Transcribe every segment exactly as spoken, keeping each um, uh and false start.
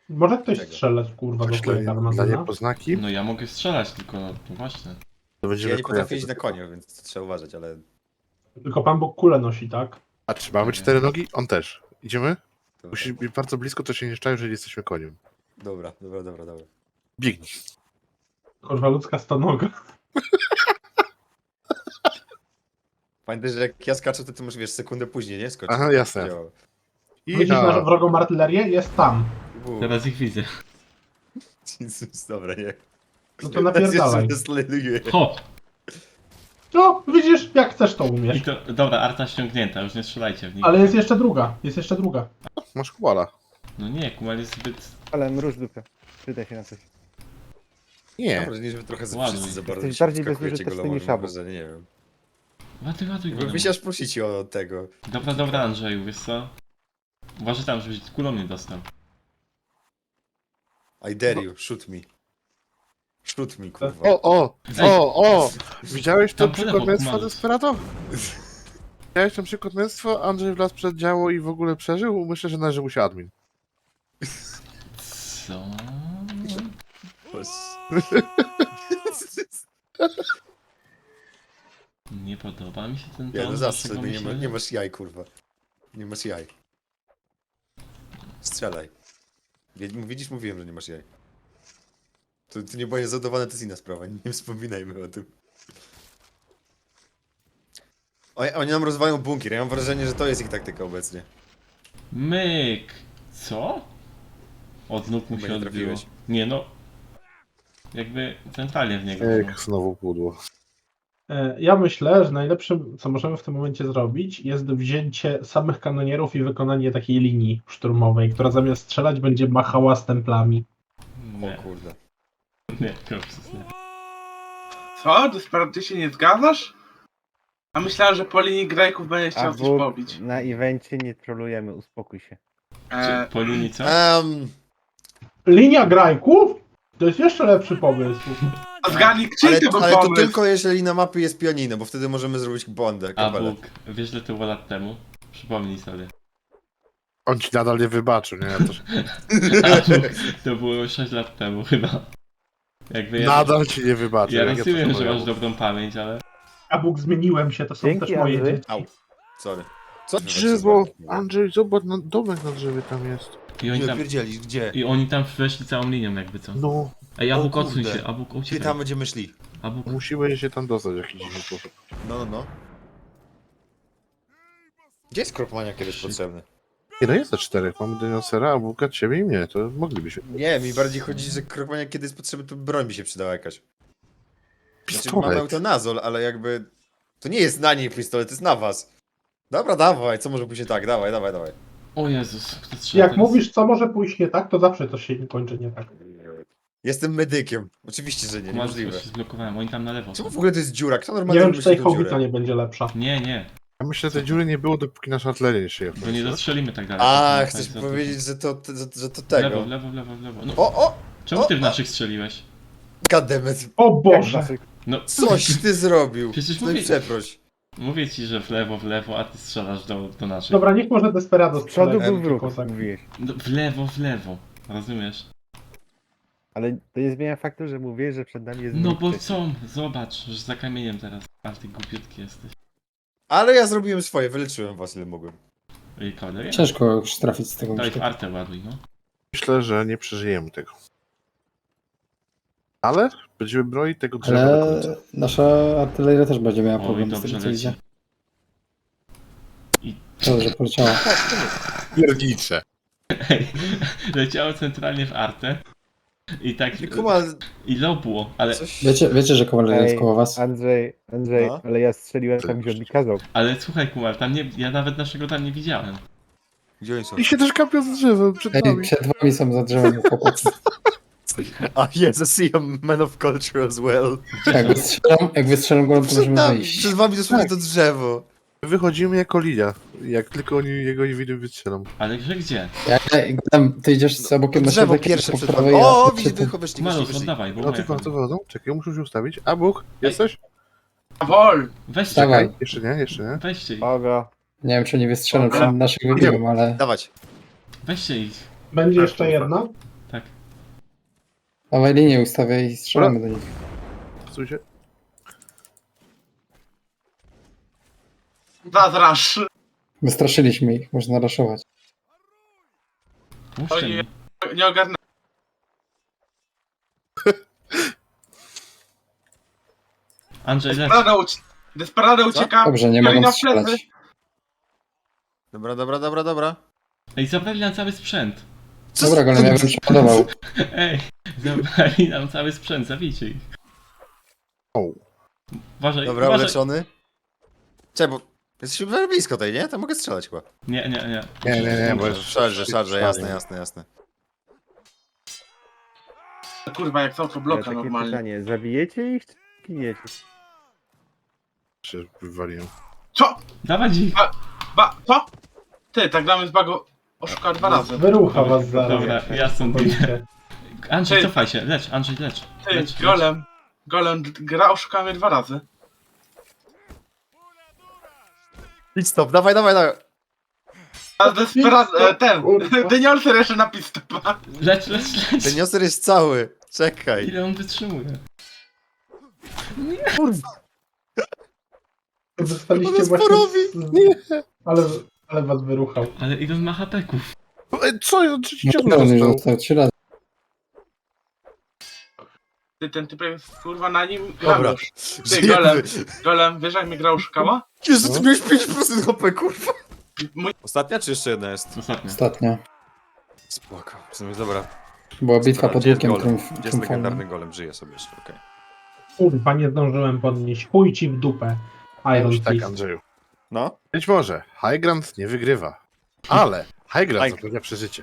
Może ktoś Czego? strzelać, kurwa, do Coś dla, twojego dla magazyna? niepoznaki? No ja mogę strzelać, tylko no właśnie. To będziemy Ja nie potrafię kojarzy- jeździć na koniu, więc trzeba uważać, ale... Tylko Pan Bóg kulę nosi, tak? A czy mamy cztery nogi? On też. Idziemy? Dobra, Musi być bardzo blisko, to się nie szczają, że jesteśmy koniem. dobra, dobra, dobra. dobra. Biegnij. Kurwa, ludzka stonoga. Pamiętaj, że jak ja skaczę, to ty możesz, wiesz, sekundę później, nie? Skoczyć. Aha, jasne. Działa. I Widzisz na wrogą artylerię? Jest tam. U, Teraz ich widzę. Jezus, dobra, nie. No to napierdalaj. Zesleduję. Hop! No, widzisz, jak chcesz to I umiesz. to, dobra, arta ściągnięta, już nie strzelajcie w nich. Ale jest jeszcze druga, jest jeszcze druga. masz kuala. No nie, Kumal jest zbyt... Ale mruż dupę. Przydaj się na coś. Mam Nie. wrażenie, że wy trochę za Ładuj. wszyscy za bardzo Jesteś się bardziej wskakujecie bezużyteczny goloma, niż mam Abu. wrażenie, nie wiem. Ładuj, ładuj go. Wy się aż prosicie o tego. Dobra, dobra, Andrzeju, wiesz co? Uważaj tam, żebyś kulą nie dostał. I dare you, shoot me. Shoot me, kurwa. O, o, o, o! Widziałeś to Tam po lewo, przykład męstwa Kumalus. Desperado? Widziałeś ten przykład męstwa? Andrzej wlazł przed działo i w ogóle przeżył? Myślę, że należy mu się admin. Co? Nie podoba mi się ten Nie, ton no zastrzel waszego mnie, nie, ma, myślenia. nie masz jaj, kurwa. Nie masz jaj. Strzelaj. Wie- Widzisz, mówiłem, że nie masz jaj. To, to nie było zadawane, to jest inna sprawa, nie wspominajmy o tym. Oni, oni nam rozwają bunkier, ja mam wrażenie, że to jest ich taktyka obecnie. Myk! Co? Od nóg mu Chyba się nie odbiło. trafiłeś. Nie no. Jakby centralnie w niego. Jak znowu pudło. E, Ja myślę, że najlepszym, co możemy w tym momencie zrobić, jest wzięcie samych kanonierów i wykonanie takiej linii szturmowej, która zamiast strzelać będzie machała stemplami. Nie, O kurde. nie, Kopsus, nie. Co? Desperate, ty się nie zgadzasz? A myślałem, że po linii grajków będzie A chciał coś Bóg, pobić. na evencie nie trolujemy, uspokój się. E, Czy po linii co? Um, Linia grajków? To jest jeszcze lepszy pomysł. a zgadnij, czyj ale, to był ale to pomysł? tylko jeżeli na mapie jest pianino, bo wtedy możemy zrobić bondę, A kabelę. Bóg, wiesz, że to było lat temu? Przypomnij sobie. On ci nadal nie wybaczył, nie? Ja też... A Bóg, to było sześć lat temu chyba. Jakby ja, Nadal ci nie wybaczył. ja jak to rozumiem, że powiem. masz dobrą pamięć, ale... A Bóg, zmieniłem się, to są Dzięki, też moje Andrzej. dzieci. Au. Sorry. Co? Drzewo! Andrzej, zobacz, na domek na drzewie tam jest. I oni Nie tam, pierdzielisz, gdzie? i oni tam weszli całą linią jakby co. No, Ej, O Abuk, odsuń kurde. się, Abuk, Gdzie uciekaj. tam będziemy szli? Abuk, musimy się tam dostać w jakiś dziwny sposób. No, no, no. Gdzie jest kropmania kiedyś potrzebny? Nie, no jest te czterech. Mamy Deniosera, Abuka, ciebie i mnie. To moglibyśmy. Nie, mi bardziej chodzi, że kropmania kiedy jest potrzebny, to broń mi się przydała jakaś. Znaczy, Pistolet. mamy eutanazol, ale jakby... To nie jest na niej pistolet, to jest na was. Dobra, dawaj, co może pójść nie tak? Dawaj, dawaj, dawaj. o Jezus, kto strzela Jak teraz? mówisz, co może pójść nie tak, to zawsze to się kończy nie tak. Jestem medykiem. Oczywiście, że nie, Kumarz, niemożliwe. się zblokowałem, oni tam na lewo. Czemu w ogóle to jest dziura? Kto Nie normalnie wiem, czy tej wymyślił tą hołbica dziurę? nie będzie lepsza. Nie, nie, Ja myślę, że tej dziury nie było, dopóki nasza artyleria nie szyje. bo nie dostrzelimy tak dalej. A, To chcesz jest za powiedzieć, że to, że, że to dużo. W lewo, tego. w lewo, w lewo, w lewo. No, O, o! czemu ty o, w naszych strzeliłeś? Goddammit. O Jak Boże! naszych- No, Coś ty zrobił. Przecież No i mówię- przeproś. mówię ci, że w lewo, w lewo, a ty strzelasz do, do naszych. Dobra, niech może Desperado Z przodu strzela, był wróg, tylko tak. mówiłeś. No, w lewo, w lewo, rozumiesz? Ale to nie zmienia faktu, że mówię, że przed nami jest No wróg bo przecież. co? Zobacz, że za kamieniem teraz. A ty głupiutki jesteś. Ale ja zrobiłem swoje, wyleczyłem was ile mogłem. I koleś? Ciężko już trafić z tego Daj w myślę. artę ładuj, no. Myślę, że nie przeżyjemy tego. Ale będziemy bronić tego drzewa do Ale końca. nasza artyleria też będzie miała Oj, problem z dobrze tym, co leci. widzę. I Dobrze, poleciała. Piernicze. Ej, leciało centralnie w artę. I tak... Kuma, I lobło, ale... coś... Wiecie, wiecie, że kawaleria jest Ej, koło was? Andrzej, Andrzej, No. ale ja strzeliłem tam, gdzie on mi kazał. Ale słuchaj, Kumar, tam nie... Ja nawet naszego tam nie widziałem. Gdzie oni są? I się też kapią z drzewem przed Ej, nami. przed wami są za drzewem chłopacy. A yes, I see a man of culture as well. Jak wystrzelam, jak wystrzelam go, to Przed możemy nami, wyjść. przed wami dosłownie Tak. to drzewo. Wychodzimy jako linia. Jak tylko oni jego nie widzą, wystrzelam. Ale że gdzie? Ja, ja, tam, ty idziesz z bokiem na Drzewo środek, pierwsze po przed prawej, wami. ja O, przed widzę, tym. wychodź, wyszli, Malus, wyszli. oddawaj, bo No moja ty bardzo tam- wychodzą. Czekaj, muszę się ustawić. A Bóg, jesteś? Wol! Weźcie, Dawaj. Jeszcze nie, jeszcze nie. weźcie ich. Ogo. Nie wiem, czy nie wystrzelam, Dobra. czy naszych wybiłem, ale... Dawać. Weźcie ich. Będzie jeszcze jedna? Dawaj linię ustawiaj i strzelamy do nich. Psuj się. Zazrasz. Wystraszyliśmy ich, można raszować. Puszczaj Oj, mnie. Nie ogarnę. Andrzej, leć. Desperado, uci Desperado ucieka. Dobrze, nie Karina mogą w plecy. strzelać. Dobra, dobra, dobra, dobra. Ej, zabrali nam cały sprzęt. Co Dobra, z- golem, ja bym przeładował. Ej, zabrali nam cały sprzęt, zabijcie ich. O. Uważaj, Dobra, uważaj. uleczony. Czekaj, bo jesteśmy bardzo blisko tej, nie? Tam mogę strzelać chyba. Nie, nie, nie. Nie, nie, nie, bo jest... Szarże, szarże, jasne, jasne, jasne. Kurwa, jak są to Ale bloka takie normalnie. pytanie, zabijecie ich czy giniecie? się wywaliłem. Co? Dawać ich. Ba, co? Ty, tak damy z bago oszuka dwa razy. Wyrucha was zaraz. Dobra, ja stąd Policie. Andrzej, Ty. cofaj się, lecz, Andrzej, lecz. Ty, lecz, lecz. golem. Golem gra oszuka mnie dwa razy. Idź stop, dawaj, dawaj, dawaj. A Desperado, e, ten, Kurwa. Deniolser jeszcze napis stopa. Lecz, lecz, lecz. Ten nioser jest cały. Czekaj. Ile on wytrzymuje? Zostaliście On nas właśnie... porobi. z- Ale, ale was wyruchał. Ale ile on ma hapeków? Ej, co? Ja trzeci No ciąg to on już dostał. został trzy razy. Ty, ten typ jest kurwa na nim gra Dobra. już. Ty, golem, Żyjemy. golem, wiesz jak mnie gra oszukała? Jezu, ty miałeś pięć procent H P, kurwa. Mój Ostatnia czy jeszcze jedna jest? Ostatnio. Ostatnio. Spoko. W sumie, dobra. Była bitwa Dobra, pod gdzie jest łukiem golem? triumf, Gdzie jest legendarny triumfalnym. golem? Żyje sobie jeszcze, okej. Kurwa, nie zdążyłem podnieść. Chuj ci w dupę. Iron Już tak, Fist. Andrzeju. No. Być może High Ground nie wygrywa, ale High Ground High- zapewnia przeżycie.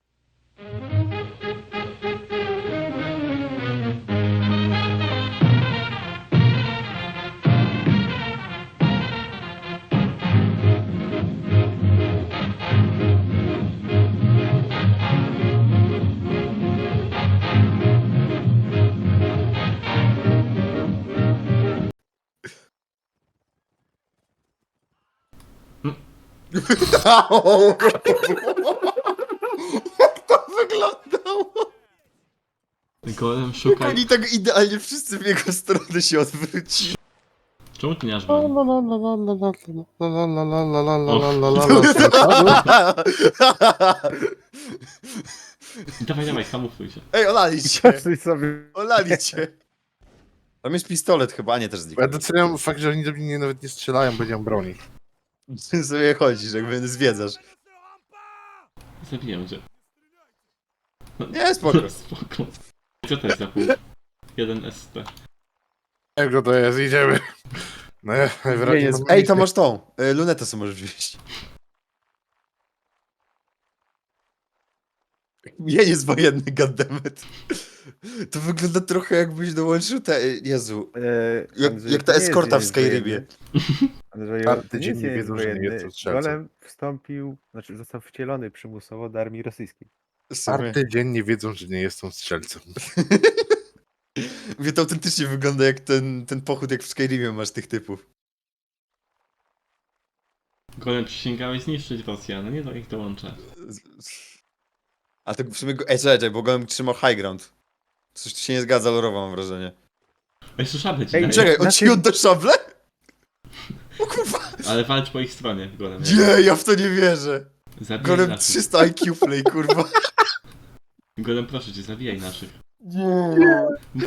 Jak to wyglądało? Golem, szukaj. Oni tak idealnie wszyscy w jego stronę się odwrócili. Czemu ty nie masz La, broni? la, la, la, la, la, la, la, la, la, la, la, Och. la, la, la, la, la. Dawaj, dawaj, kamufluj się. Ej, olali cię. Każdy sobie... Olali cię. Tam jest pistolet chyba, a nie też Ja zniknął. doceniam fakt, że oni do mnie nawet nie strzelają, bo nie mam broni. Ty sobie chodzisz, jakby zwiedzasz. Zabiję cię. Nie, spoko. Spoko. Co to jest za pół? Jeden S T. Jak to jest? Idziemy. No, ja najwyraźniej jest- mam Ej, to misję. masz tą. y, Lunetę sobie możesz wziąć. Mieniec wojenny, goddammit. To wygląda trochę jakbyś dołączył te... Jezu. E, Jak- Andrzej, jak ta to nie jest eskorta w dzień Skyribie. wojenny. Andrzeju, Czwarty to nie dzień jest nie dzień wiedzą, że nie wojenny. jestem strzelcem. Golem wstąpił, znaczy został wcielony przymusowo do armii rosyjskiej. W sumie. Czwarty dzień nie wiedzą, że nie jestem strzelcem. Mówię, to autentycznie wygląda jak ten, ten pochód, jak w Skyrimie masz tych typów. Golem, przysięgałeś zniszczyć Rosjan, no nie do ich dołączę. A to w sumie... Go... Ej, czekaj, czekaj, bo golem trzymał high ground. Coś tu się nie zgadza lorowo, mam wrażenie. Jeszcze szablę ci Ej, daję. Czekaj, on na ci tym- odda szable? O kurwa! Ale walcz po ich stronie, golem. Nie, ja w to nie wierzę. Zabijaj Golem naszych. trzysta I Q play, kurwa. Golem, proszę cię, zabijaj naszych. Nie.